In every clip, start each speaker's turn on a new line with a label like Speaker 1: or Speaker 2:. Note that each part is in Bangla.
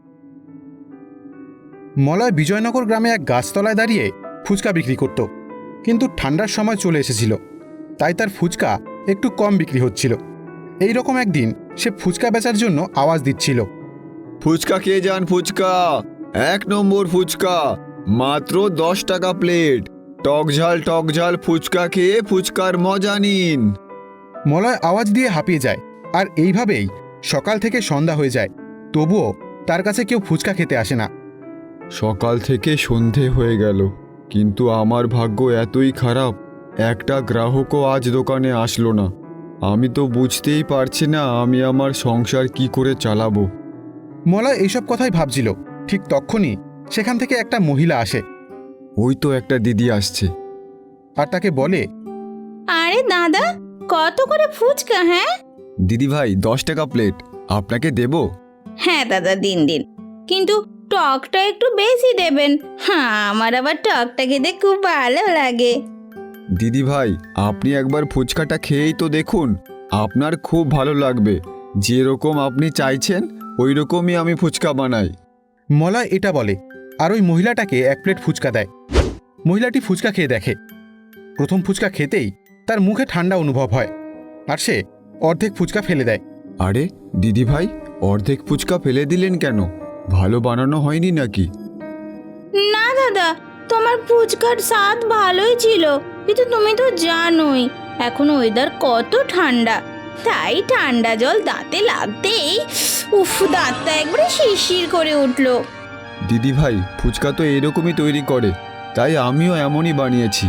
Speaker 1: মলয় বিজয়নগর গ্রামে এক গাছতলায় দাঁড়িয়ে ফুচকা বিক্রি করত, কিন্তু ঠান্ডার সময় চলে এসেছিল, তাই তার ফুচকা একটু কম বিক্রি হচ্ছিল। এই রকম একদিন সে ফুচকা বেচার জন্য আওয়াজ দিচ্ছিল,
Speaker 2: ফুচকা খেয়ে যান, ফুচকা 1 নম্বর ফুচকা, মাত্র 10 টাকা প্লেট, টক ঝাল ফুচকা খেয়ে ফুচকার মজা নিন।
Speaker 1: মলয় আওয়াজ দিয়ে হাঁপিয়ে যায়, আর এইভাবেই সকাল থেকে সন্ধ্যা হয়ে যায়, তবুও তার কাছে কেউ ফুচকা খেতে আসে না।
Speaker 2: সকাল থেকে সন্ধে হয়ে গেল, কিন্তু আমার ভাগ্য এতই খারাপ, একটা গ্রাহকও আজ দোকানে আসলো না। আমি তো বুঝতেই পারছি না আমি আমার সংসার কি করে চালাবো।
Speaker 1: মলয় এইসব কথাই ভাবছিল, ঠিক তখনই সেখান থেকে একটা মহিলা আসে।
Speaker 2: ওই তো একটা দিদি আসছে।
Speaker 1: আর তাকে বলে,
Speaker 3: আরে দাদা, কত করে ফুচকা? হ্যাঁ
Speaker 2: দিদি ভাই 10 টাকা প্লেট, আপনাকে দেব?
Speaker 3: হ্যাঁ দাদা, দিন দিন, কিন্তু টকটা একটু বেশি দেবেন। হ্যাঁ, আমার আবার টকটা খেতে খুব ভালো লাগে।
Speaker 2: দিদি ভাই, আপনি একবার ফুচকাটা খেয়েই তো দেখুন, আপনার খুব ভালো লাগবে। যেরকম আপনি চাইছেন ওই রকমই আমি ফুচকা বানাই।
Speaker 1: মলয় এটা বলে, আর ওই মহিলাটাকে 1 প্লেট ফুচকা দেয়। মহিলাটি ফুচকা খেয়ে দেখে, প্রথম ফুচকা খেতেই তার মুখে ঠান্ডা অনুভব হয়, আর সে অর্ধেক ফুচকা ফেলে দেয়।
Speaker 2: আরে দিদি ভাই, অর্ধেক ফুচকা ফেলে দিলেন কেন? ভালো বানানো হয়নি নাকি?
Speaker 3: না দাদা, তোমার ফুচকার স্বাদ ভালোই ছিল, কিন্তু তুমি তো জানোই এখন ওয়েদার কত ঠান্ডা, তাই ঠান্ডা জল দাঁতে লাগতেই দাঁতটা একবারে শিরশির করে উঠলো।
Speaker 2: দিদি ভাই, ফুচকা তো এরকমই তৈরি করে, তাই আমিও এমনই বানিয়েছি।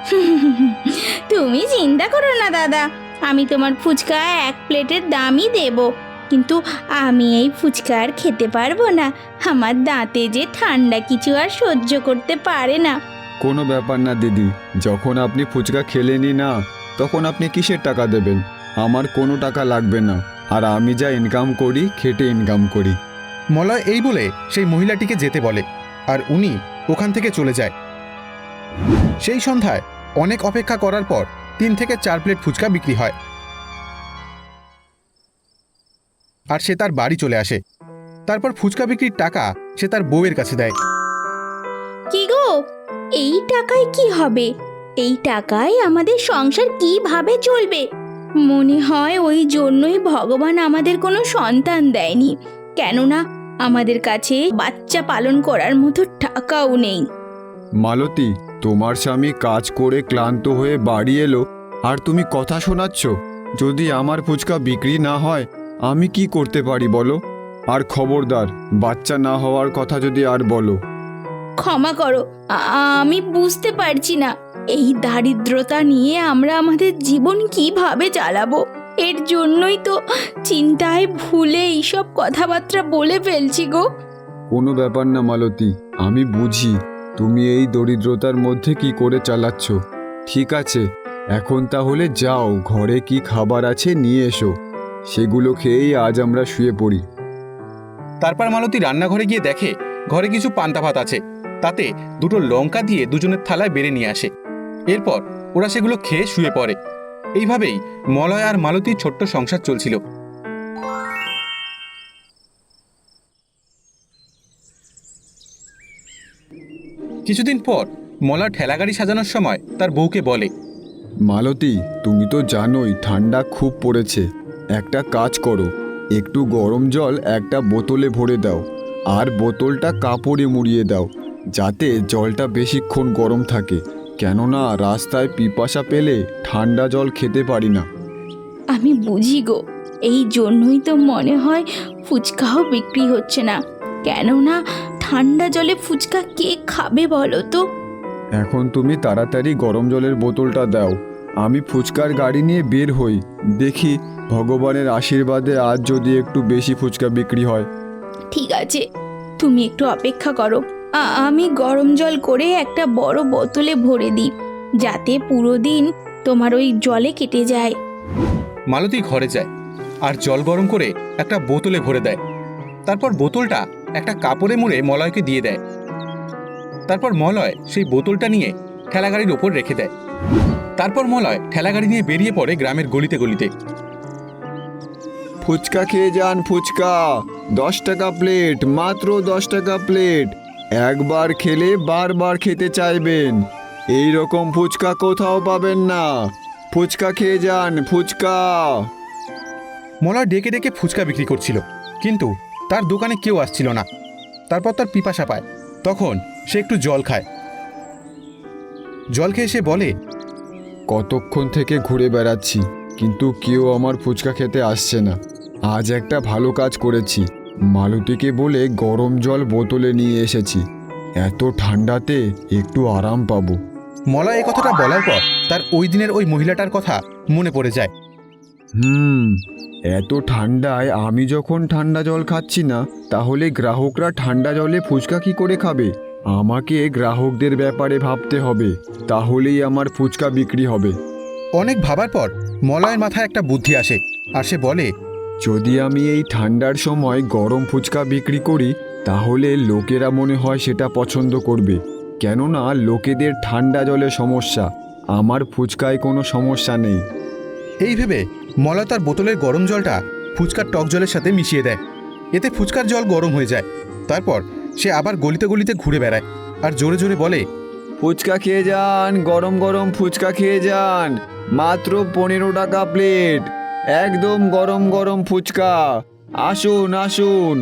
Speaker 3: তুমি চিন্তা করো না দাদা, আমি তোমার ফুচকা 1 প্লেটের দামই দেব, কিন্তু আমি এই ফুচকা আর খেতে পারবো না। আমার দাঁতে যে ঠান্ডা কিছু আর সহ্য করতে পারে না।
Speaker 2: কোনো ব্যাপার না দিদি, যখন আপনি ফুচকা খেলেনই না, তখন আপনি কিসের টাকা দেবেন? আমার কোনো টাকা লাগবে না, আর আমি যা ইনকাম করি খেটে ইনকাম করি।
Speaker 1: মলয় এই বলে সেই মহিলাটিকে যেতে বলে, আর উনি ওখান থেকে চলে যায়। সেই সন্ধ্যায় অনেক অপেক্ষা করার পর 3 থেকে 4 প্লেট ফুচকা বিক্রি হয়, আর সে তার বাড়ি চলে আসে। তারপর ফুচকা বিক্রির টাকা সে তার বউয়ের কাছে দেয়।
Speaker 3: কি গো, এই টাকায় কি হবে? এই টাকায় আমাদের সংসার কিভাবে চলবে? মনে হয় ওই জন্যই ভগবান আমাদের কোনো সন্তান দেয়নি, কেননা আমাদের কাছে বাচ্চা পালন করার মতো টাকাও নেই।
Speaker 2: মালতী, তোমার স্বামী কাজ করে ক্লান্ত হয়ে বাড়ি এলো, আর তুমি কথা শোনাচ্ছ? যদি আমার ফুচকা বিক্রি না হয় আমি কি করতে পারি বলো? আর খবরদার, বাচ্চা না হওয়ার কথা যদি আর বলো।
Speaker 3: ক্ষমা করো, আমি বুঝতে পারছি না এই দারিদ্রতা নিয়ে আমরা আমাদের জীবন কিভাবে চালাবো। এর জন্যই তো চিন্তায় ভুলে এইসব কথাবার্তা বলে ফেলছি গো।
Speaker 2: কোনো ব্যাপার না মালতী, আমি বুঝি তুমি এই দরিদ্রতার মধ্যে কি করে চালাচ্ছ। ঠিক আছে, এখন তাহলে যাও, ঘরে কি খাবার আছে নিয়ে এসো, সেগুলো খেয়েই আজ আমরা শুয়ে পড়ি।
Speaker 1: তারপর মালতী রান্নাঘরে গিয়ে দেখে ঘরে কিছু পান্তা ভাত আছে, তাতে 2টো লঙ্কা দিয়ে দুজনের থালায় বেড়ে নিয়ে আসে। এরপর ওরা সেগুলো খেয়ে শুয়ে পড়ে। এইভাবেই মলয় আর মালতীর ছোট্ট সংসার চলছিল। কিছুদিন পর মলয় ঠেলাগাড়ি সাজানোর সময় তার বউকে বলে,
Speaker 2: মালতী, তুমি তো জানোই ঠান্ডা খুব পড়েছে, একটা কাজ করো, একটু গরম জল একটা বোতলে ভরে দাও, আর বোতলটা কাপড়ে মুড়িয়ে দাও, যাতে জলটা বেশিক্ষণ গরম থাকে, কেননা রাস্তায় পিপাসা পেলে ঠান্ডা জল খেতে পারি না।
Speaker 3: আমি বুঝি গো, এই জন্যই তো মনে হয় ফুচকাও বিক্রি হচ্ছে না, কেননা ঠান্ডা জলে ফুচকা কে খাবে বলো তো?
Speaker 2: এখন তুমি তাড়াতাড়ি গরম জলের বোতলটা দাও, আমি ফুচকার গাড়ি নিয়ে বের হই, দেখি ভগবানের আশীর্বাদে আজ যদি একটু বেশি ফুচকা বিক্রি হয়।
Speaker 3: ঠিক আছে, তুমি একটু অপেক্ষা করো, আমি গরম জল করে একটা বড় বোতলে ভরে দিই, যাতে পুরো দিন তোমার ওই জলে কেটে যায়।
Speaker 1: মালতী ঘরে যায় আর জল গরম করে একটা বোতলে ভরে দেয়। তারপর বোতলটা একটা কাপড়ে মুড়ে মলয়কে দিয়ে দেয়। তারপর মলয় সেই বোতলটা নিয়ে ঠেলাগাড়ির ওপর রেখে দেয়। তারপর মলয় ঠেলাগাড়ি নিয়ে বেরিয়ে পড়ে গ্রামের গলিতে গলিতে।
Speaker 2: ফুচকা খেয়ে যান, ফুচকা 10 টাকা প্লেট, মাত্র 10 টাকা প্লেট। একবার খেলে বারবার খেতে চাইবেন। এই রকম ফুচকা কোথাও পাবেন না। ফুচকা খেয়ে যান, ফুচকা।
Speaker 1: মলয় ডেকে ডেকে ফুচকা বিক্রি করছিল, কিন্তু তার দোকানে কেউ আসছিল না। তারপর তার পিপাসা পায়, তখন সে একটু জল খায়। জল খেয়ে সে বলে,
Speaker 2: কতক্ষণ থেকে ঘুরে বেড়াচ্ছি, কিন্তু কেউ আমার ফুচকা খেতে আসছে না। আজ একটা ভালো কাজ করেছি, মালতীকে বলে গরম জল বোতলে নিয়ে এসেছি। এত ঠান্ডাতে একটু আরাম পাবো।
Speaker 1: মলয় এই কথাটা বলার পর তার ওই দিনের ওই মহিলাটার কথা মনে পড়ে যায়।
Speaker 2: এত ঠান্ডায় আমি যখন ঠান্ডা জল খাচ্ছি না, তাহলে গ্রাহকরা ঠান্ডা জলে ফুচকা কি করে খাবে? আমাকে গ্রাহকদের ব্যাপারে ভাবতে হবে, তাহলেই আমার ফুচকা বিক্রি হবে।
Speaker 1: অনেক ভাবার পর মলয়ের মাথায় একটা বুদ্ধি আসে, আর সে বলে,
Speaker 2: যদি আমি এই ঠান্ডার সময় গরম ফুচকা বিক্রি করি, তাহলে লোকেরা মনে হয় সেটা পছন্দ করবে। কেননা লোকেদের ঠান্ডা জলে সমস্যা, আমার ফুচকায় কোনো সমস্যা নেই।
Speaker 1: এই ভেবে মলয় তার বোতলের গরম জলটা ফুচকার টক জলের সাথে মিশিয়ে দেয়। এতে ফুচকার জল গরম হয়ে যায়। তারপর সে আবার গলিতে গলিতে ঘুরে বেড়ায় আর জোরে জোরে বলে,
Speaker 2: ফুচকা খেয়ে যান, গরম গরম ফুচকা খেয়ে যান, মাত্র 15 টাকা প্লেট, একদম গরম গরম ফুচকা, আসুন আসুন।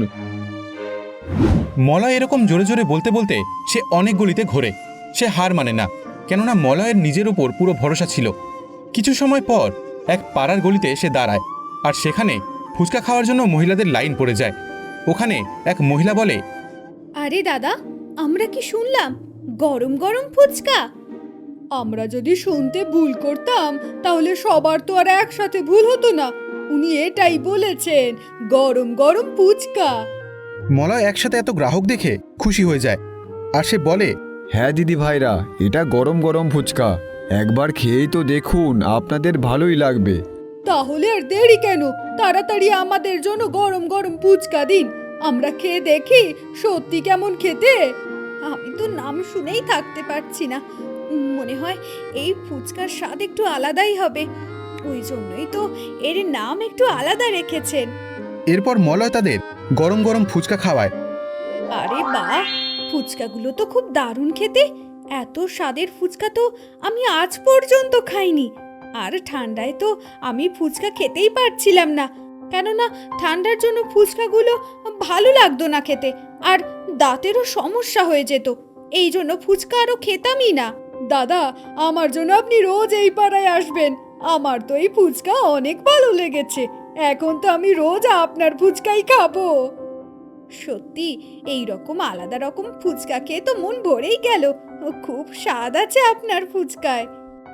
Speaker 1: মলয় এরকম জোরে জোরে বলতে বলতে সে অনেক গলিতে ঘোরে। সে হার মানে না, কেননা মলয়ের নিজের উপর পুরো ভরসা ছিল। কিছু সময় পর এক পাড়ার গলিতে সে দাঁড়ায়, আর সেখানে ফুচকা খাওয়ার জন্য মহিলাদের লাইন পড়ে যায়। ওখানে এক মহিলা বলে,
Speaker 4: আরে দাদা, আমরা কি শুনলাম গরম গরম ফুচকা? আমরা যদি শুনতে ভুল করতাম, তাহলে সবার তো আর একসাথে ভুল হতো না। উনি এটাই বলেছেন, গরম গরম ফুচকা।
Speaker 1: মলয় একসাথে এত গ্রাহক দেখে খুশি হয়ে যায়, আর সে বলে,
Speaker 2: হ্যাঁ দিদি ভাইরা, এটা গরম গরম ফুচকা, একবার খেয়েই তো দেখুন, আপনাদের ভালোই লাগবে।
Speaker 4: তাহলে আর দেরি কেন? তাড়াতাড়ি আমাদের জন্য গরম গরম ফুচকা দিন, আমরা খেয়ে দেখি সত্যি কেমন খেতে। আমি তো নাম শুনেই থাকতে পারছি না। মনে হয় এই ফুচকার স্বাদ একটু আলাদাই হবে, ওই জন্যই তো এর নাম একটু আলাদা রেখেছেন।
Speaker 1: এরপর মলয় তাদের গরম গরম ফুচকা খাওয়ায়।
Speaker 4: আরে বাহ, ফুচকাগুলো তো খুব দারুণ খেতে। এত স্বাদের ফুচকা তো আমি আজ পর্যন্ত খাইনি। আর ঠান্ডায় তো আমি ফুচকা খেতেই পারছিলাম না, কেননা ঠান্ডার জন্য ফুচকাগুলো ভালো লাগতো না খেতে, আর দাঁতেরও সমস্যা হয়ে যেত। এই জন্য ফুচকা আরও খেতামই না। দাদা, আমার জন্য আপনি রোজ এই পাড়ায় আসবেন। আমার তো এই ফুচকা অনেক ভালো লেগেছে। এখন তো আমি রোজ আপনার ফুচকাই খাবো। সত্যি এই রকম আলাদা রকম ফুচকা খেয়ে তো মন ভরেই গেল। খুব স্বাদ আছে আপনার ফুচকায়।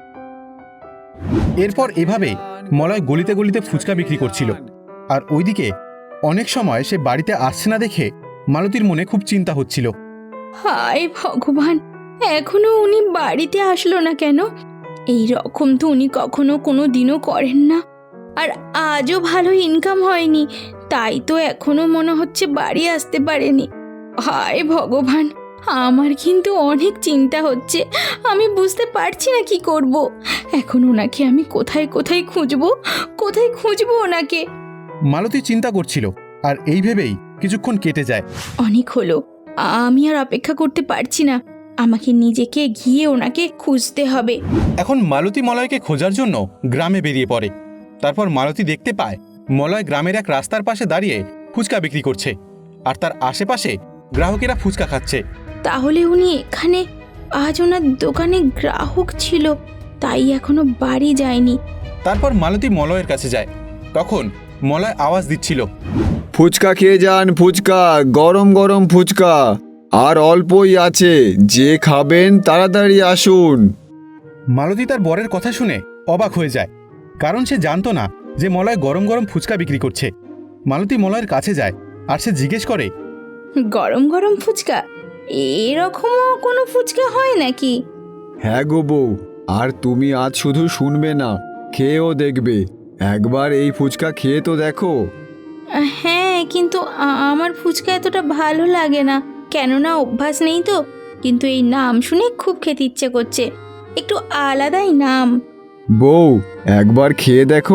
Speaker 1: এরপর এভাবে মলয় গলিতে গলিতে ফুচকা বিক্রি করছিল। আর ওইদিকে অনেক সময় সে বাড়িতে আসছে না দেখে মালতীর মনে খুব চিন্তা হচ্ছিল।
Speaker 3: হায় ভগবান, এখনো উনি বাড়িতে আসলো না কেন? এই রকম তো উনি কখনো কোনো দিনও করেন না। আর আজও ভালো ইনকাম হয়নি, তাই তো এখনো মনে হচ্ছে বাড়ি আসতে পারেনি। হায় ভগবান, আমার কিন্তু অনেক চিন্তা হচ্ছে। আমি বুঝতে পারছি না কি করব। এখন ওনাকে আমি কোথায় কোথায় খুঁজবো ওনাকে।
Speaker 1: মালতী চিন্তা করছিল, আর এই ভেবেই কিছুক্ষণ কেটে যায়।
Speaker 3: অনেক হলো, আমি আর অপেক্ষা করতে পারছি না। আমাকে নিজেকে গিয়ে ওনাকে খুঁজতে হবে।
Speaker 1: এখন মালতী মলয়কে খোঁজার জন্য গ্রামে বেরিয়ে পড়ে। তারপর মালতী দেখতে পায় মলয় গ্রামের এক রাস্তার পাশে দাঁড়িয়ে ফুচকা বিক্রি করছে, আর তার আশেপাশে গ্রাহকেরা ফুচকা খাচ্ছে।
Speaker 3: তাহলে উনি এখানে, আজ ওনার দোকানে গ্রাহক ছিল, তাই এখনো বাড়ি যায়নি।
Speaker 1: তারপর মালতী মলয়ের কাছে যায়। তখন মলয় আওয়াজ দিচ্ছিল,
Speaker 2: ফুচকা খেয়ে যান, ফুচকা, গরম গরম ফুচকা, আর অল্পই আছে, যে খাবেন তাড়াতাড়ি আসুন।
Speaker 1: মালতী তার বরের কথা শুনে অবাক হয়ে যায়, কারণ সে জানতো না যে মলয় গরম গরম ফুচকা বিক্রি করছে। মালতী মলয়ের কাছে যায়, আর সে জিজ্ঞেস করে,
Speaker 3: গরম গরম ফুচকা? এরকমও কোনো ফুচকা হয় নাকি?
Speaker 2: হ্যাঁ গো বউ, আর তুমি আজ শুধু শুনবে না, খেয়েও দেখবে। একবার এই ফুচকা খেয়ে তো দেখো।
Speaker 3: হ্যাঁ, কিন্তু আমার ফুচকা এতটা ভালো লাগে না, কেননা অভ্যাস নেই তো। কিন্তু এই নাম শুনে খুব খেতে ইচ্ছে করছে, একটু আলাদাই নাম।
Speaker 2: বউ, একবার খেয়ে দেখো,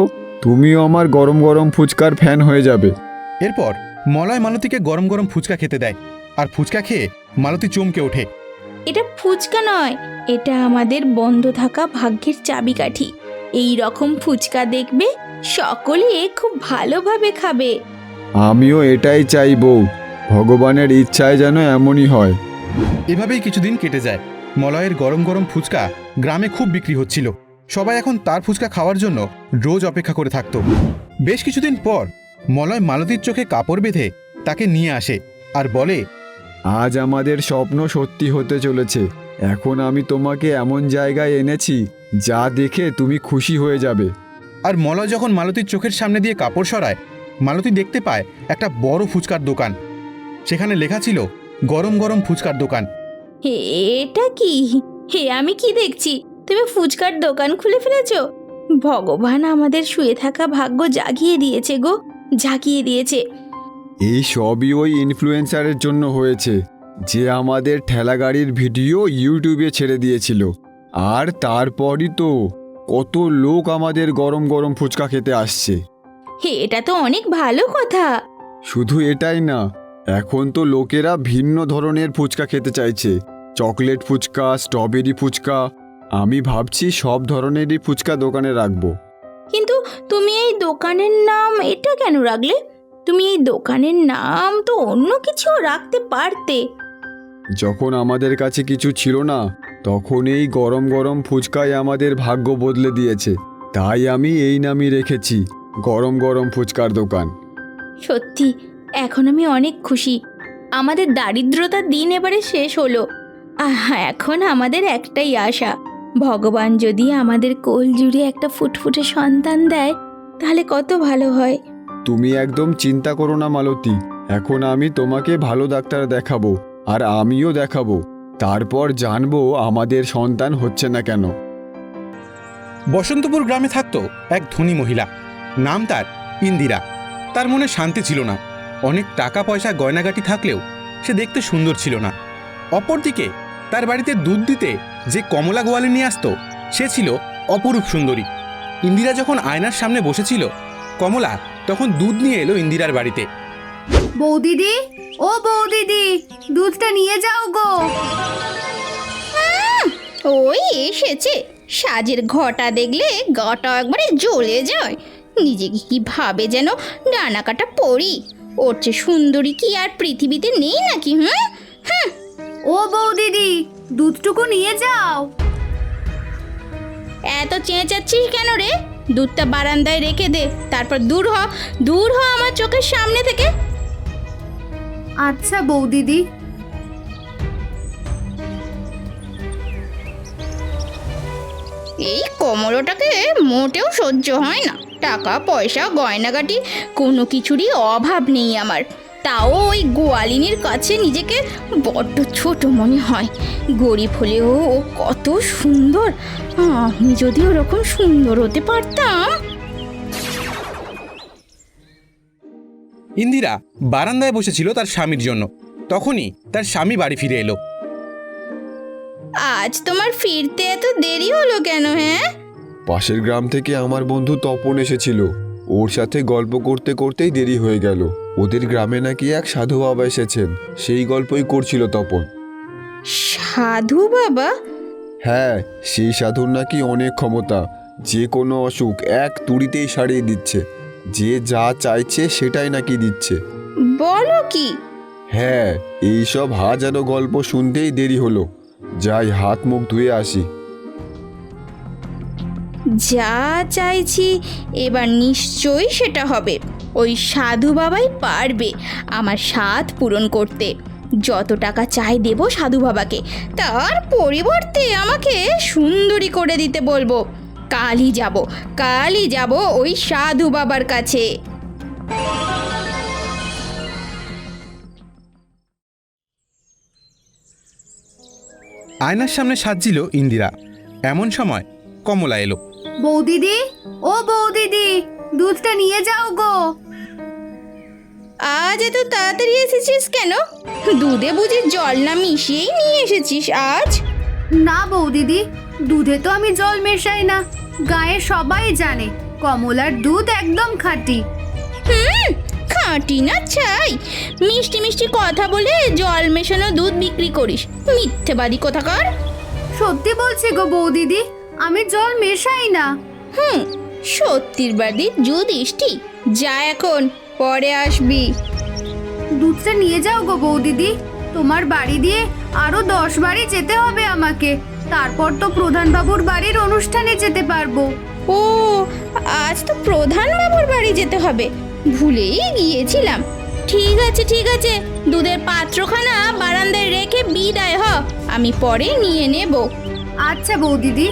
Speaker 2: তুমিও আমার গরম গরম ফুচকার ফ্যান হয়ে যাবে।
Speaker 1: এরপর মলয় মালতীকে গরম গরম ফুচকা খেতে দেয়, আর ফুচকা খেয়ে মালতী চমকে ওঠে।
Speaker 3: এটা ফুচকা নয়, এটা আমাদের বন্ধ থাকা ভাগ্যের চাবিকাঠি। এই রকম ফুচকা দেখবে সকলে খুব ভালোভাবে খাবে।
Speaker 2: আমিও এটাই চাই বউ, ভগবানের ইচ্ছায় যেন এমনই হয়।
Speaker 1: এভাবেই কিছুদিন কেটে যায়। মলয়ের গরম গরম ফুচকা গ্রামে খুব বিক্রি হচ্ছিল। সবাই এখন তার ফুচকা খাওয়ার জন্য রোজ অপেক্ষা করে থাকতো। বেশ কিছুদিন পর মলয় মালতীর চোখে কাপড় বেঁধে তাকে নিয়ে আসে আর বলে,
Speaker 2: আজ আমাদের স্বপ্ন সত্যি হতে চলেছে। এখন আমি তোমাকে এমন জায়গায় এনেছি যা দেখে তুমি খুশি হয়ে যাবে।
Speaker 1: আর মলয় যখন মালতীর চোখের সামনে দিয়ে কাপড় সরায়, মালতী দেখতে পায় একটা বড় ফুচকার দোকান। সেখানে লেখা ছিল গরম গরম ফুচকার দোকান।
Speaker 3: এটা কি? হে, আমি কি দেখছি? তুমি ফুচকার দোকান খুলে ফেলেছো? ভগবান আমাদের শুয়ে থাকা ভাগ্য জাগিয়ে দিয়েছে গো, জাগিয়ে দিয়েছে।
Speaker 2: এই সবই ওই ইনফ্লুয়েন্সারের জন্য হয়েছে, যে আমাদের ঠেলাগাড়ির ভিডিও ইউটিউবে ছেড়ে দিয়েছিল। আর তারপরই তো কত লোক আমাদের গরম গরম ফুচকা খেতে আসছে।
Speaker 3: হে, এটা তো অনেক ভালো কথা।
Speaker 2: শুধু এটাই না, এখন তো লোকেরা ভিন্ন ধরনের ফুচকা খেতে চাইছে। Chocolate phuchka, strawberry phuchka. আমি ভাবছি সব ধরনেরই ফুচকা দোকানে রাখবো।
Speaker 3: কিন্তু তুমি এই দোকানের নাম এটা কেন রাখলে? তুমি এই দোকানের নাম তো অন্য কিছু রাখতে পারতে।
Speaker 2: যখন আমাদের কাছে কিছু ছিল না, তখন এই গরম গরম ফুচকাই আমাদের ভাগ্য বদলে দিয়েছে। তাই আমি এই নামই রেখেছি, গরম গরম ফুচকার দোকান।
Speaker 3: সত্যি, এখন আমি অনেক খুশি। আমাদের দারিদ্রতার দিন এবারে শেষ হলো। এখন আমাদের একটাই আশা, ভগবান যদি আমাদের কোল জুড়ে একটা ফুটফুটে সন্তান দেয় তাহলে কত ভালো হয়।
Speaker 2: তুমি একদম চিন্তা করো না মালতী, এখন আমি তোমাকে ভালো ডাক্তার দেখাবো, আর আমিও দেখাবো। তারপর জানবো আমাদের সন্তান হচ্ছে না কেন।
Speaker 1: বসন্তপুর গ্রামে থাকতো এক ধনী মহিলা, নাম তার ইন্দিরা। তার মনে শান্তি ছিল না। অনেক টাকা পয়সা গয়নাগাটি থাকলেও সে দেখতে সুন্দর ছিল না। অপরদিকে তার বাড়িতে দুধ দিতে যে কমলা গোয়ালে নিয়ে আসতো, সে ছিল অপরূপ সুন্দরী। ইন্দিরা যখন আয়নার সামনে বসেছিল, কমলা তখন দুধ নিয়ে এলো ইন্দিরার বাড়িতে।
Speaker 4: বৌদিদি, ও বৌদিদি, দুধটা নিয়ে যাও গো।
Speaker 3: ওই এসেছে, সাজের ঘটা দেখলে গাটা একবারে জ্বলে যায়। নিজেকে কি ভাবে যেন ডানা কাটা পড়ি। ওর চেয়ে সুন্দরী কি আর পৃথিবীতে নেই নাকি? হুম,
Speaker 4: ও বৌদিদি, দুধটুকু নিয়ে যাও।
Speaker 3: এত চেঁচাচ্ছিস কেন রে? দুধটা বারান্দায় রেখে দে, তারপর দূর হ, দূর হ আমার চোখের সামনে থেকে।
Speaker 4: আচ্ছা বৌদিদি।
Speaker 3: এই কমলোটাকে মোটেও সহ্য হয় না। টাকা পয়সা গয়নাগাটি কোনো কিছুরই অভাব নেই আমার, তাও ওই গোয়ালিনীর কাছে নিজেকে বড্ড ছোট মনে হয়। গরিব হলেও ও কত সুন্দর। আমি যদি ওরকম সুন্দর হতে পারতাম।
Speaker 1: ইন্দিরা বারান্দায় বসেছিল তার স্বামীর জন্য। তখনই তার স্বামী বাড়ি ফিরে এলো।
Speaker 3: আজ তোমার ফিরতে এত দেরি হলো কেন? হ্যাঁ,
Speaker 2: পাশের গ্রাম থেকে আমার বন্ধু তপন এসেছিল, ওর সাথে গল্প করতে করতেই দেরি হয়ে গেল। ওদের গ্রামে নাকি এক সাধু বাবা এসেছেন, সেই গল্পই করছিল তপন।
Speaker 3: সাধু বাবা?
Speaker 2: হ্যাঁ, সেই সাধুর নাকি অনেক ক্ষমতা, যে কোনো অসুখ এক তুড়িতেই সারিয়ে দিচ্ছে। যে যা চাইছে সেটাই নাকি দিচ্ছে।
Speaker 3: বলো কি?
Speaker 2: হ্যাঁ, এইসব হাজারো গল্প শুনতেই দেরি হলো। যাই হাত মুখ ধুয়ে আসি।
Speaker 3: যা চাইছি এবার নিশ্চয়ই সেটা হবে। ওই সাধু বাবাই পারবে আমার স্বাদ পূরণ করতে। যত টাকা চাই দেব সাধু বাবাকে, তার পরিবর্তে আমাকে সুন্দরী করে দিতে বলবো। কালই যাব ওই সাধু বাবার কাছে।
Speaker 1: আয়নার সামনে সাজছিল ইন্দিরা। এমন সময় কমলা এলো।
Speaker 4: বৌদিদি, ও বৌদিদি, দুধটা নিয়ে যাও গো।
Speaker 3: আজ এত তাড়াতাড়ি এসেছিস কেন? দুধে বুঝি জল না মিশিয়েই নিয়ে এসেছিস আজ?
Speaker 4: না বৌদিদি, দুধে তো আমি জল মেশাই না। গায়ে সবাই জানে
Speaker 5: কমলার দুধ একদম খাঁটি।
Speaker 3: খাঁটি না চাই, মিষ্টি মিষ্টি কথা বলে জল মেশানো দুধ বিক্রি করিস, মিথ্যেবাদী কোথাকার।
Speaker 5: সত্যি বলছি গো বৌদিদি, আমি জল মেশাই না।
Speaker 3: সত্যির বাদী যুধিষ্ঠি, যা এখন, পরে আসবি।
Speaker 5: দুধটা নিয়ে যাও গো বৌদিদি, তোমার বাড়ি দিয়ে আরো 10 বাড়ি যেতে হবে আমাকে, তারপর তো প্রধান বাবুর বাড়ির অনুষ্ঠানে যেতে পারবো।
Speaker 3: ও, আজ তো প্রধান বাবুর বাড়ি যেতে হবে, ভুলেই গিয়েছিলাম। ঠিক আছে ঠিক আছে, দুধের পাত্রখানা বারান্দায় রেখে বিদায় হ, আমি পরে নিয়ে নেব।
Speaker 5: আচ্ছা বৌদিদি।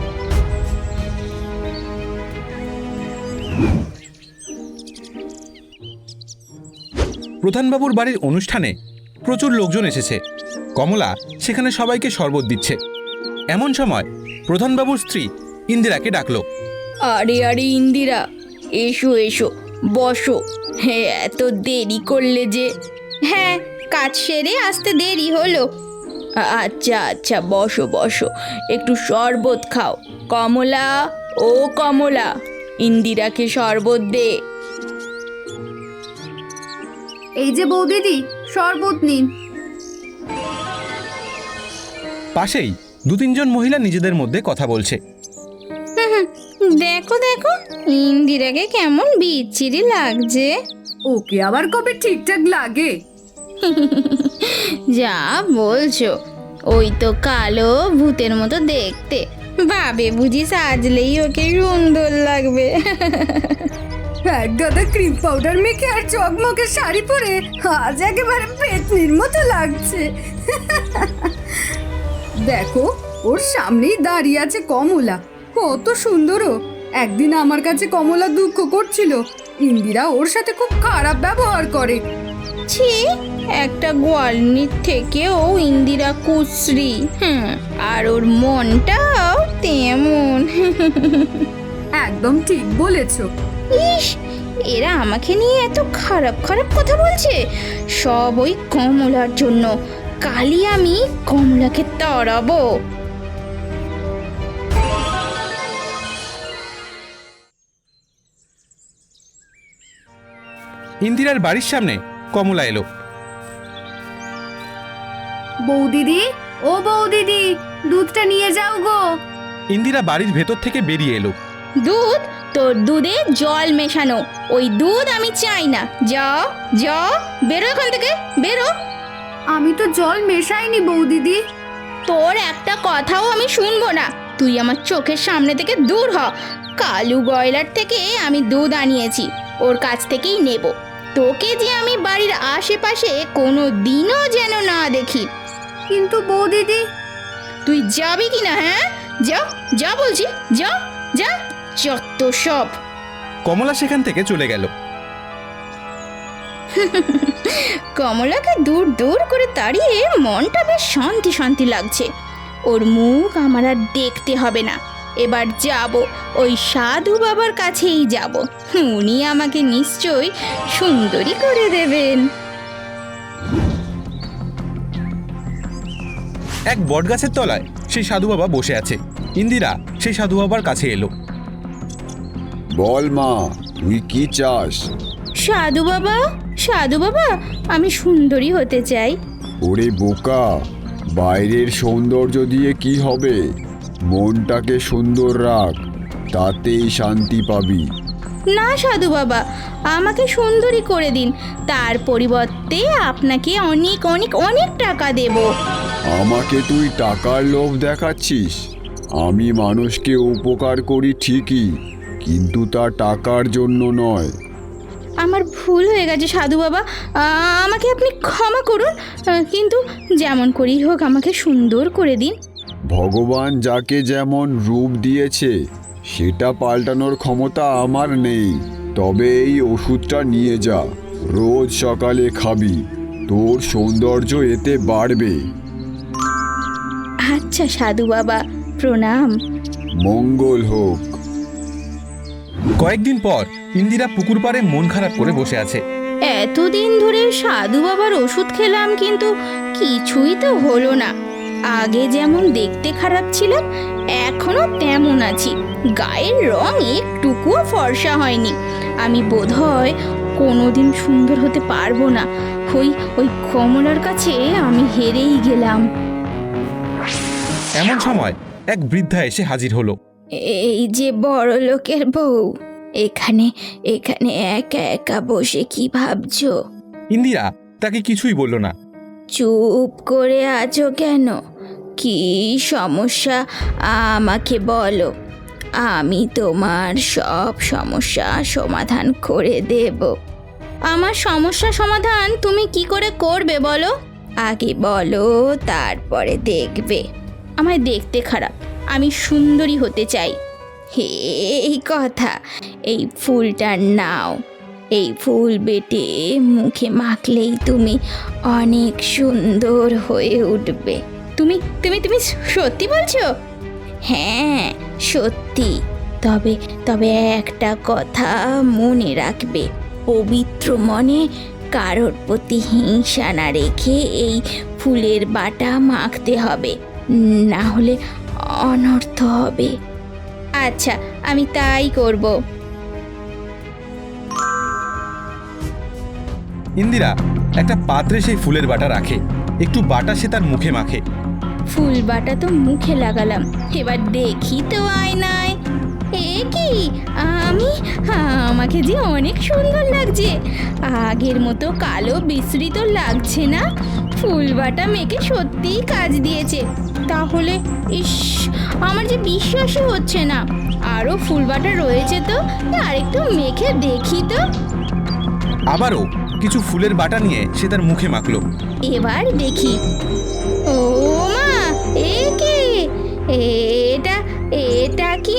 Speaker 1: প্রধানবাবুর বাড়ির অনুষ্ঠানে প্রচুর লোকজন এসেছে। কমলা সেখানে সবাইকে শরবত দিচ্ছে। এমন সময় প্রধানবাবুর স্ত্রী ইন্দিরাকে ডাকলো।
Speaker 3: আরে আরে ইন্দিরা, এসো এসো, বসো। হ্যাঁ, এত দেরি করলে যে? হ্যাঁ, কাজ সেরে আসতে দেরি হলো। আচ্ছা আচ্ছা, বসো বসো, একটু শরবত খাও। কমলা, ও কমলা, ইন্দিরাকে শরবত দে।
Speaker 5: এই যে বৌদিদি, শরবত নিন।
Speaker 1: পাশেই 2-3 মহিলা নিজেদের মধ্যে কথা বলছে।
Speaker 3: দেখো দেখো, ইন্দিরাকে কেমন বিচ্ছিরি লাগছে।
Speaker 5: ওকে আবার কবে ঠিকঠাক লাগে?
Speaker 3: যা বলছো, ওই তো কালো ভূতের মতো দেখতে, ভাবে বুঝি সাজলেই ওকে সুন্দর লাগবে।
Speaker 5: এক গাদা ক্রিম পাউডার মেখে আর চকমকে শাড়ি পরে আজ একেবারে পেতনির মতো লাগছে। দেখো, ওর সামনেই দাঁড়িয়ে আছে কমলা, কত সুন্দর। একদিন আমার কাছে কমলা দুঃখ করছিল, ইন্দিরা ওর সাথে খুব খারাপ ব্যবহার করে।
Speaker 3: ছি, একটা গোয়ালনির থেকেও ইন্দিরা কুশ্রী। আর ওর মনটাও তেমন।
Speaker 5: একদম ঠিক বলেছো।
Speaker 3: ইস, এরা আমাকে নিয়ে এত খারাপ খারাপ কথা বলছে, সব ওই কমলার জন্য। কালই আমি কমলাকে তাড়াবো।
Speaker 1: ইন্দিরার বাড়ির সামনে কমলা এলো।
Speaker 5: বৌদিদি, ও বৌদিদি, দুধটা নিয়ে যাও গো।
Speaker 1: ইন্দিরা বাড়ির ভেতর থেকে বেরিয়ে এলো।
Speaker 3: দুধ? তোর দুধে জল মেশানো, ওই দুধ আমি চাই না। যাও যাও, বেরো এখান থেকে, বেরো।
Speaker 5: আমি তো জল মেশাইনি বৌদিদি।
Speaker 3: তোর একটা কথাও আমি শুনবো না, তুই আমার চোখের সামনে থেকে দূর হ। কালু গয়লার থেকে আমি দুধ আনিয়েছি, ওর কাছ থেকেই নেব। তোকে যে আমি বাড়ির আশেপাশে কোনো দিনও যেন না দেখি।
Speaker 5: কিন্তু বৌদিদি।
Speaker 3: তুই যাবি কি না? হ্যাঁ, যা যা বলছি, যা যা, যত সব।
Speaker 1: কমলা সেখান থেকে চলে গেল।
Speaker 3: কমলাকে দূর দূর করে তাড়িয়ে মনটা বেশ শান্তি শান্তি লাগছে। ওর মুখ আমার আর দেখতে হবে না। এবার যাব, ওই সাধু বাবার কাছেই যাব, উনি আমাকে নিশ্চয়ই সুন্দরী করে দেবেন।
Speaker 1: এক বটগাছের তলায় সেই সাধু বাবা বসে আছে। ইন্দিরা সেই সাধু বাবার কাছে এলো।
Speaker 2: বল মা, তুই কি চাস?
Speaker 3: সাধু বাবা, সাধু বাবা, আমি সুন্দরী হতে চাই।
Speaker 2: ওরে বোকা, বাইরের সৌন্দর্য দিয়ে কি হবে? মনটাকে সুন্দর রাখ, তাতেই শান্তি পাবি।
Speaker 3: না সাধু বাবা, আমাকে সুন্দরী করে দিন, তার পরিবর্তে আপনাকে অনেক অনেক অনেক টাকা দেব।
Speaker 2: আমাকে তুই টাকার লোভ দেখাচ্ছিস? আমি মানুষকে উপকার করি ঠিকই, কিন্তু তা টাকার জন্য নয়।
Speaker 3: আমার ভুল হয়ে গেছে সাধু বাবা, আমাকে আপনি ক্ষমা করুন, কিন্তু যেমন করেই হোক আমাকে সুন্দর করে দিন।
Speaker 2: ভগবান যাকে যেমন রূপ দিয়েছে সেটা পাল্টানোর ক্ষমতা আমার নেই। তবে এই ওষুধটা নিয়ে যা, রোজ সকালে খাবি, তোর সৌন্দর্য এতে বাড়বে।
Speaker 3: আচ্ছা সাধু বাবা, প্রণাম।
Speaker 2: মঙ্গল হোক।
Speaker 1: কয়েকদিন পর ইন্দিরা পুকুর পাড়ে মন খারাপ করে বসে আছে।
Speaker 3: এতদিন ধরে সাধু বাবার ওষুধ খেলাম, কিন্তু কিছুই তো হলো না। আগে যেমন দেখতে খারাপ ছিলাম, এখনো তেমন আছি, গায়ের রং একটুকুও ফর্সা হয়নি। আমি বোধহয় কোনোদিন সুন্দর হতে পারবো না। ওই কমলার কাছে আমি হেরেই গেলাম।
Speaker 1: এমন সময় এক বৃদ্ধা এসে হাজির হলো।
Speaker 3: এই যে বড় লোকের বউ, এখানে এখানে একা একা বসে কি ভাবছো?
Speaker 1: ইন্দিরা তাকে কিছুই বলল না।
Speaker 3: চুপ করে আছো কেন? কি সমস্যা আমাকে বলো, আমি তোমার সব সমস্যা সমাধান করে দেব। আমার সমস্যা সমাধান তুমি কি করে করবে বলো? আগে বলো, তারপরে দেখবে। আমায় দেখতে খারাপ, আমি সুন্দরী হতে চাই। এই কথা, এই ফুলটা নাও। এই ফুল বেটে মুখে মাখলেই তুমি অনেক সুন্দর হয়ে উঠবে। তুমি তুমি তুমি সত্যি বলছো? হ্যাঁ সত্যি। তবে তবে একটা কথা মনে রাখবে, পবিত্র মনে কারোর প্রতি হিংসা না রেখে এই ফুলের বাটা মাখতে হবে, না হলে অনর্থ হবে। আচ্ছা, আমি তাই করব।
Speaker 1: ইন্দিরা একটা পাত্রে সেই ফুলের বাটা রাখে, একটু বাটা সে তার মুখে মাখে।
Speaker 3: ফুল বাটা তো মুখে লাগালাম, এবার দেখি তো আয়নায়। এ কি, আমাকে যে অনেক সুন্দর লাগছে। আগের মতো কালো বিস্মৃত লাগছে না। ফুল বাটা মেখে সত্যিই কাজ দিয়েছে। তাহলে ইস, আমার যে বিশ্বাসই হচ্ছে না। আরও ফুল বাটা রয়েছে তো, আরেকটু মেখে দেখি তো।
Speaker 1: আবারও কিছু ফুলের বাটা নিয়ে সে তার মুখে মাখলো।
Speaker 3: এবার দেখি। ও মা, এ কে? এটা কি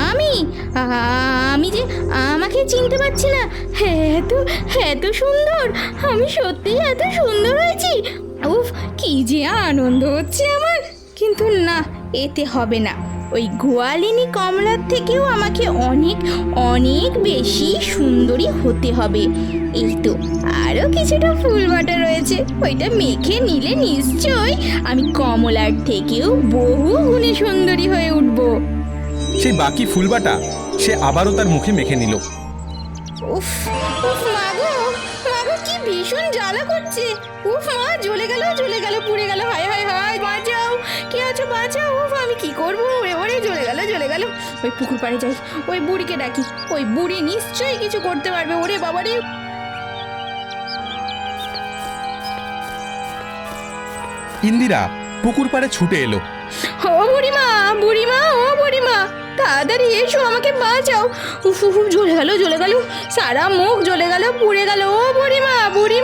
Speaker 3: আমি যে আমাকে চিনতে পারছি না। এত সুন্দর, আমি সত্যি এত সুন্দর হয়েছি। উফ, কি যে আনন্দ হচ্ছে আমার। কিন্তু না, এতে হবে না। ওই গোয়ালিনী কমলার থেকেও আমাকে অনেক অনেক বেশি সুন্দরী হতে হবে। এই তো আরও কিছুটা ফুল বাটা রয়েছে, ওইটা মেখে নিলে নিশ্চয়ই আমি কমলার থেকেও বহু গুণে সুন্দরী হয়ে উঠব।
Speaker 1: সেই বাকি ফুল বাটা সে আবারও তার মুখে মেখে নিল।
Speaker 3: উফ উফ, মাগো কি ভীষণ জ্বালা করছে। উফ মা, জ্বলে গেল পুড়ে গেল। হায় হায় হায়, বাঁচাও, কে আছো বাঁচাও। উফ, আমি কি করবো? ওরে জ্বলে গেল। ওই পুকুর পাড়ে যাই, ওই বুড়িকে ডাকি। ওই বুড়ি নিশ্চয়ই কিছু করতে পারবে। ওরে বাবা রে।
Speaker 1: ইন্দিরা পুকুর পাড়ে ছুটে এলো।
Speaker 3: ও বুড়িমা, ও বুড়িমা, তাড়াতাড়ি এসো, আমাকে বাঁচাও। উফ, জ্বলে গেল, সারা মুখ জ্বলে গেল, পুড়ে গেল। ও বুড়িমা।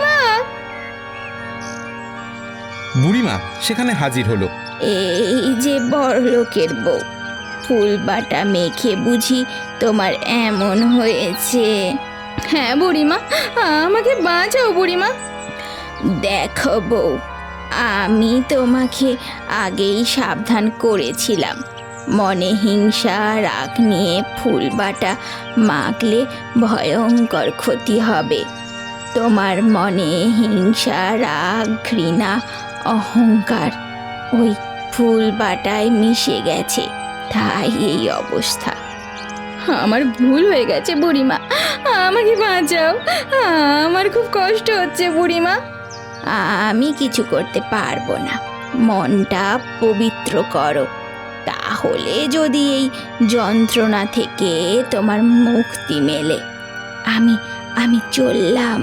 Speaker 1: বুড়িমা সেখানে হাজির হলো।
Speaker 3: এই যে বড় লোকের বউ, ফুল বাটা মেখে বুঝি তোমার এমন হয়েছে? হ্যাঁ বুড়িমা, আমাকে বাঁচাও বুড়িমা। দেখো বউ, আমি তোমাকে আগেই সাবধান করেছিলাম, মনে হিংসা রাগ নিয়ে ফুল বাটা মাখলে ভয়ঙ্কর ক্ষতি হবে। তোমার মনে হিংসা রাগ ঘৃণা অহংকার ওই ফুল বাটায় মিশে গেছে, তাই এই অবস্থা। আমার ভুল হয়ে গেছে বুড়িমা, আমাকে বাঁচাও, আমার খুব কষ্ট হচ্ছে বুড়িমা। আমি কিছু করতে পারবো না, মনটা পবিত্র করো, তাহলে যদি এই যন্ত্রণা থেকে তোমার মুক্তি মেলে। আমি চললাম।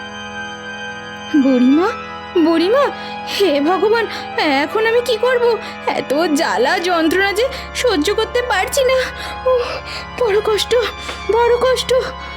Speaker 3: বুড়িমা, হে ভগবান, এখন আমি কি করব? এত জ্বালা যন্ত্রণা যে সহ্য করতে পারছি না। বড় কষ্ট।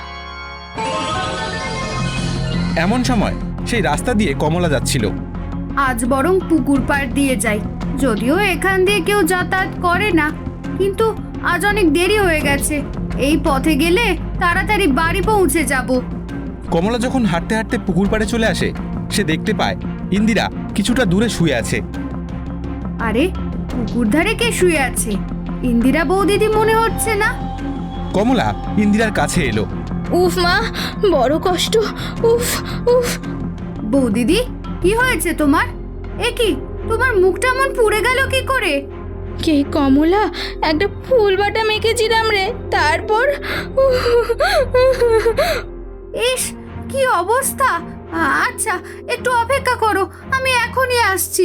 Speaker 1: এমন সময় সেই রাস্তা দিয়ে কমলা যাচ্ছিল।
Speaker 5: আজ বরং পুকুর পাড় দিয়ে যাই, যদিও এখান দিয়ে কেউ যাতায়াত করে না, কিন্তু আজ অনেক দেরি হয়ে গেছে। এই পথে গেলে তাড়াতাড়ি বাড়ি পৌঁছে যাব।
Speaker 1: কমলা যখন হাঁটতে হাঁটতে পুকুর পাড়ে চলে আসে, সে দেখতে পায় ইন্দিরা কিছুটা দূরে শুয়ে আছে।
Speaker 5: আরে, পুকুর ধারে কে শুয়ে আছে? ইন্দিরা বৌদিদি মনে হচ্ছে না।
Speaker 1: কমলা ইন্দিরার কাছে এলো।
Speaker 3: উফ মা, বড় কষ্ট। উফ।
Speaker 5: বৌদিদি, কি হয়েছে তোমার? এ কি, তোমার মুখটা এমন পুড়ে গেল কি করে?
Speaker 3: কে কমলা, একটা ফুল বাটা মেখেছিলাম রে, তারপর
Speaker 5: ইস, কি অবস্থা! আচ্ছা, একটু অপেক্ষা করো, আমি এখনই আসছি।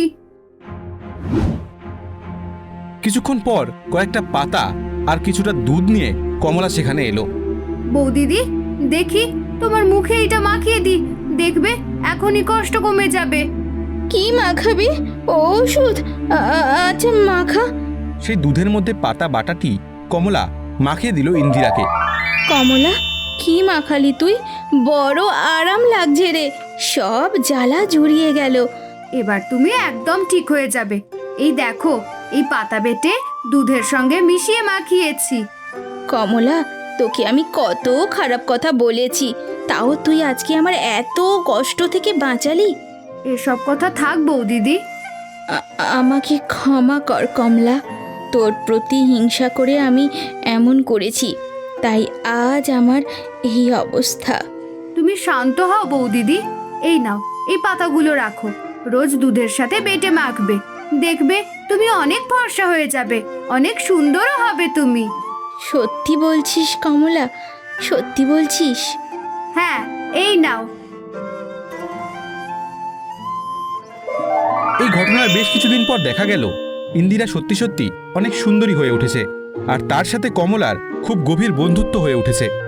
Speaker 1: কিছুক্ষণ পর কয়েকটা পাতা আর কিছুটা দুধ নিয়ে কমলা সেখানে এলো।
Speaker 5: বৌদিদি, দেখি তোমার মুখে এটা মাখিয়ে দি, দেখবে এখনই কষ্ট কমে যাবে।
Speaker 3: কি মাখাবি? ওষুধ? আচ্ছা মাখা।
Speaker 1: সেই দুধের মধ্যে পাতা বাটাটি কমলা মাখিয়ে দিল ইন্দিরাকে।
Speaker 3: কমলা, কি মাখালি তুই? বড় আরাম লাগছে রে, সব জ্বালা জুড়িয়ে গেল।
Speaker 5: এবার তুমি একদম ঠিক হয়ে যাবে। এই দেখো, এই পাতা বেটে দুধের সঙ্গে মিশিয়ে মাখিয়েছি।
Speaker 3: কমলা, তোকে আমি কত খারাপ কথা বলেছি, তাও তুই আজকে আমার এত কষ্ট থেকে বাঁচালি।
Speaker 5: এসব কথা থাক বৌদিদি।
Speaker 3: আমাকে ক্ষমা কর কমলা, তোর প্রতি হিংসা করে আমি এমন করেছি, তাই আজ আমার এই অবস্থা।
Speaker 5: তুমি শান্ত হও বৌদিদি। এই নাও, এই পাতাগুলো রাখো, রোজ দুধের সাথে বেটে মাখবে, দেখবে তুমি অনেক ফর্সা হয়ে যাবে, অনেক সুন্দরও হবে তুমি।
Speaker 3: সত্যি বলছিস কমলা? সত্যি বলছিস?
Speaker 5: হ্যাঁ, এই নাও।
Speaker 1: এই ঘটনার বেশ কিছুদিন পর দেখা গেল ইন্দিরা সত্যি সত্যি অনেক সুন্দরী হয়ে উঠেছে, আর তার সাথে কমলার খুব গভীর বন্ধুত্ব হয়ে উঠেছে।